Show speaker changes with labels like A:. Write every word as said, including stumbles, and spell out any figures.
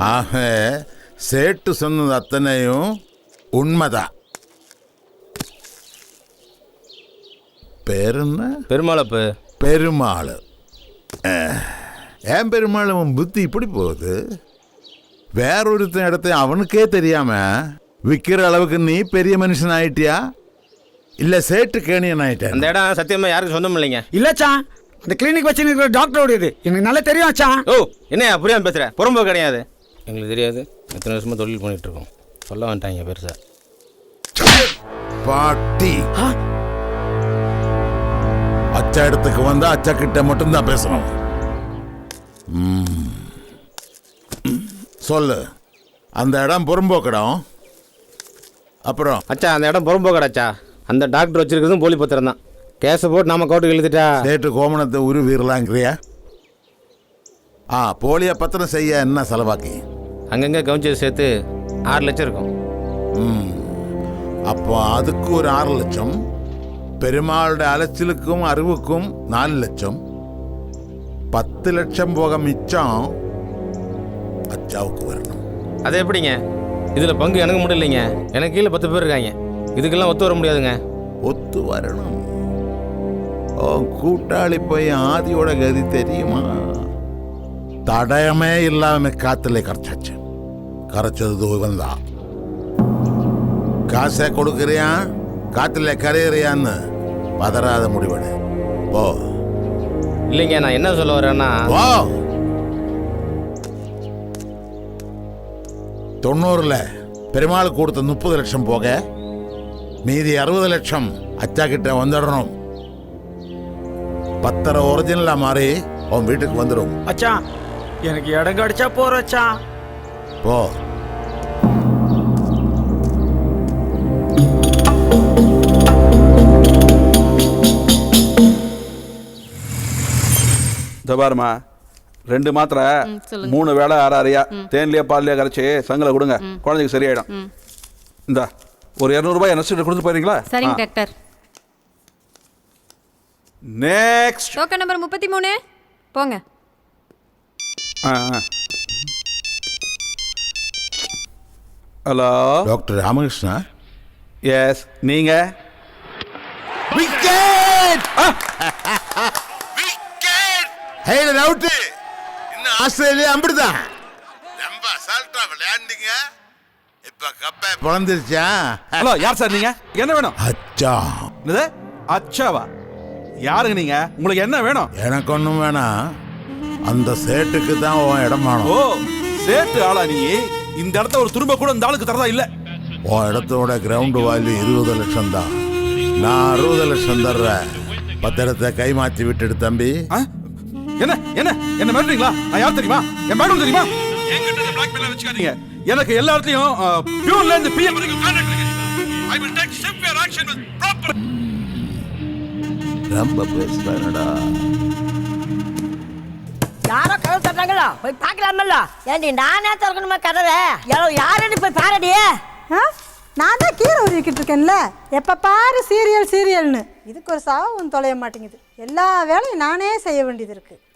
A: ஆக சேட்டு சொன்னது அத்தனையும் உண்மைதான். பேரு என்ன?
B: பெருமாளப்பு.
A: பெருமாள். ஏன் பெருமாள் அவன் புத்தி இப்படி போகுது? வேறொருத்த இடத்த அவனுக்கே தெரியாம விற்கிற அளவுக்கு நீ பெரிய மனுஷன் ஆயிட்டியா இல்ல சேட்டு கேணியன் ஆயிட்டா?
B: அந்த இடம் சத்தியமா யாருக்கும் சொந்தம் இல்லைங்க.
C: இல்லச்சா, அந்த கிளினிக் வச்சு இருக்கிற டாக்டரோட இது எனக்கு நல்லா தெரியும் ஆச்சா.
B: ஓ என்ன புரியாம பேசுற? புறம்போ கிடையாது. எங்களுக்கு தெரியாது. எத்தனை வருஷமா தொழில் பண்ணிட்டு இருக்கோம். சொல்ல வந்துட்டாங்க பெருசா.
A: பாட்டி அச்சா இடத்துக்கு வந்தா அச்சா கிட்ட மட்டும்தான் பேசணும். சொல்லு, அந்த இடம் புறம்போக்கடம். அப்புறம்
B: அச்சா அந்த இடம் புறம்போக்கடாச்சா. அந்த டாக்டர் வச்சிருக்கிறதும் போலி பத்திரம் தான். கேஸை போட்டு நாம கோர்ட்டுக்கு எழுதிட்டா
A: சேட்டு கோமணத்தை உருவீரலாங்கிறியா? ஆ, போலியா பத்திரம் செய்ய என்ன செலவாக்கி?
B: அங்கங்கே கவுஞ்சது சேர்த்து ஆறு லட்சம் இருக்கும்.
A: ம், அப்போ அதுக்கு ஒரு ஆறு லட்சம், பெருமாளுடைய அலைச்சலுக்கும் அறிவுக்கும் நாலு லட்சம், பத்து லட்சம் போக மிச்சம் அச்சாவுக்கு வரணும்.
B: அது எப்படிங்க? இதில் பங்கு எனக்கு மட்டும் இல்லைங்க, எனக்கு கீழே பத்து பேர் இருக்காங்க. இதுக்கெல்லாம் ஒத்து வர முடியாதுங்க.
A: ஒத்து வரணும். ஓ, கூட்டாளி போய் ஆதியோட கதி தெரியுமா? தடயமே இல்லாம காத்துல கரைச்சாச்சு. கரைச்சது இவன் தான். காசை கொடுக்கறியா காத்துல கரையிறியான்னு பதறாத முடிவெடு. போ.
B: இல்லைங்க, நான் என்ன சொல்ல வரேன்னா,
A: ஓ, தொண்ணூறுல பெருமாள் கொடுத்த முப்பது லட்சம் போக மீதி அறுபது லட்சம் அச்சா கிட்ட வந்துடணும். பத்தரை ஒரிஜினலா மாறி உன் வீட்டுக்கு வந்துடும்.
C: அச்சா, எனக்கு இடம் கிடைச்சா போறச்சா.
A: போ.
D: பாருமா, ரெண்டு மாத்திரை மூணு வேளை ஆறு ஆறியா தேன்லயே பால்லையே கரைச்சி சங்கலை கொடுங்க, குழந்தைக்கு சரியாயிடும். இந்த ஒரு இரநூறுபாய் நஷ்டம் கொடுத்து போறீங்களா?
E: சரிங்க டாக்டர்.
D: நெக்ஸ்ட்
E: டோக்கன் நம்பர் முப்பத்தி மூணு போங்க.
D: Hello
A: doctor Ramakrishna?
D: எஸ், நீங்க?
A: ஆஸ்திரேலியா அப்படிதான் ரொம்ப அசால்ட்டா விளையாண்டீங்க. இப்ப கப்பை பிறந்துருச்சா?
D: ஹலோ, யார் சார் நீங்க? என்ன வேணும்?
A: அச்சா.
D: என்னது அச்சாவா? யாருங்க நீங்க? உங்களுக்கு என்ன வேணும்?
A: எனக்கு ஒண்ணும் வேணாம், அந்த சேட்டுக்கு தான் உன் இடம் வேணும்.
D: ஓ, சேட்டு ஆளா நீ? இந்த இடத்த ஒரு துரும்ப கூட இந்த ஆளுக்கு தரதா இல்ல.
A: உன் இடத்தோட கிரவுண்ட் வேல்யூ இருபது லட்சம் தான். நான் அறுபது லட்சம் தர்றேன். பத்திரத்தை கை மாற்றி விட்டுடு தம்பி.
D: என்ன என்ன என்ன மிரட்டுறீங்களா? நான் யார் தெரியுமா? என் மேடம் தெரியுமா? என்கிட்ட இந்த பிளாக் மெயில் வச்சுக்காதீங்க. எனக்கு எல்லா இடத்துலயும் பியூர்ல இருந்து பிஎம் வரைக்கும் கான்டாக்ட் இருக்கு. I will take severe action with proper.
A: ரொம்ப பேசுறானடா.
F: யாரோ கதவு தட்டாங்களா? போய் பார்க்கலாமல்ல. ஏண்டி நானே திறக்கணுமா கதவை? யாருன்னு போய் பாருடி.
G: நான் தான் கீரை உருவிக்கிட்டு இருக்கேன்ல, எப்போ பாரு சீரியல் சீரியல்னு. இதுக்கு ஒரு சாவும் தொலைய மாட்டேங்குது. எல்லா வேலையும் நானே செய்ய வேண்டியது இருக்குது.